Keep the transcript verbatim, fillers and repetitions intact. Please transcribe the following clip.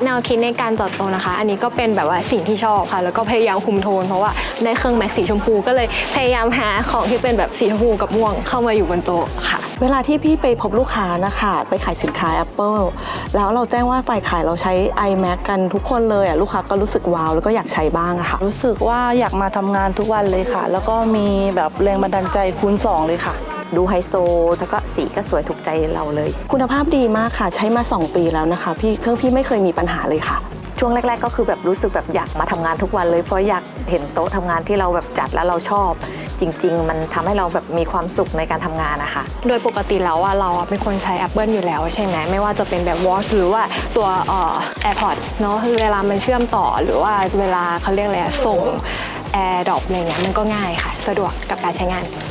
แนวคิดในการจัดโต๊ะนะคะอันนี้ก็เป็นแบบว่าสิ่งที่ชอบค่ะแล้วก็พยายามคุมโทนเพราะว่าได้เครื่องแม็กสีชมพูก็เลยพยายามหาของที่เป็นแบบสีชมพูกับม่วงเข้ามาอยู่บนโต๊ะค่ะเวลาที่พี่ไปพบลูกค้านะคะไปขายสินค้า Apple แล้วเราแจ้งว่าฝ่ายขายเราใช้ iMac กันทุกคนเลยอ่ะลูกค้าก็รู้สึกว้าวแล้วก็อยากใช้บ้างอะค่ะรู้สึกว่าอยากมาทำงานทุกวันเลยค่ะแล้วก็มีแบบแรงบันดาลใจคูณสองเลยค่ะดูไฮโซแล้วก็สีก็สวยถูกใจเราเลยคุณภาพดีมากค่ะใช้มาสองปีแล้วนะคะพี่เครื่องพี่ไม่เคยมีปัญหาเลยค่ะช่วงแรกๆก็คือแบบรู้สึกแบบอยากมาทำงานทุกวันเลยเพราะอยากเห็นโต๊ะทำงานที่เราแบบจัดแล้วเราชอบจริงๆมันทำให้เราแบบมีความสุขในการทำงานนะคะโดยปกติแล้วอะเราเป็นคนใช้ Apple อยู่แล้วใช่ไหมไม่ว่าจะเป็นแบบ Watch หรือว่าตัวเอ่อ AirPods เนาะเวลามันเชื่อมต่อหรือว่าเวลาเขาเรียกอะไรส่ง AirDrop อะไรเงี้ยมันก็ง่ายค่ะสะดวกกับการใช้งาน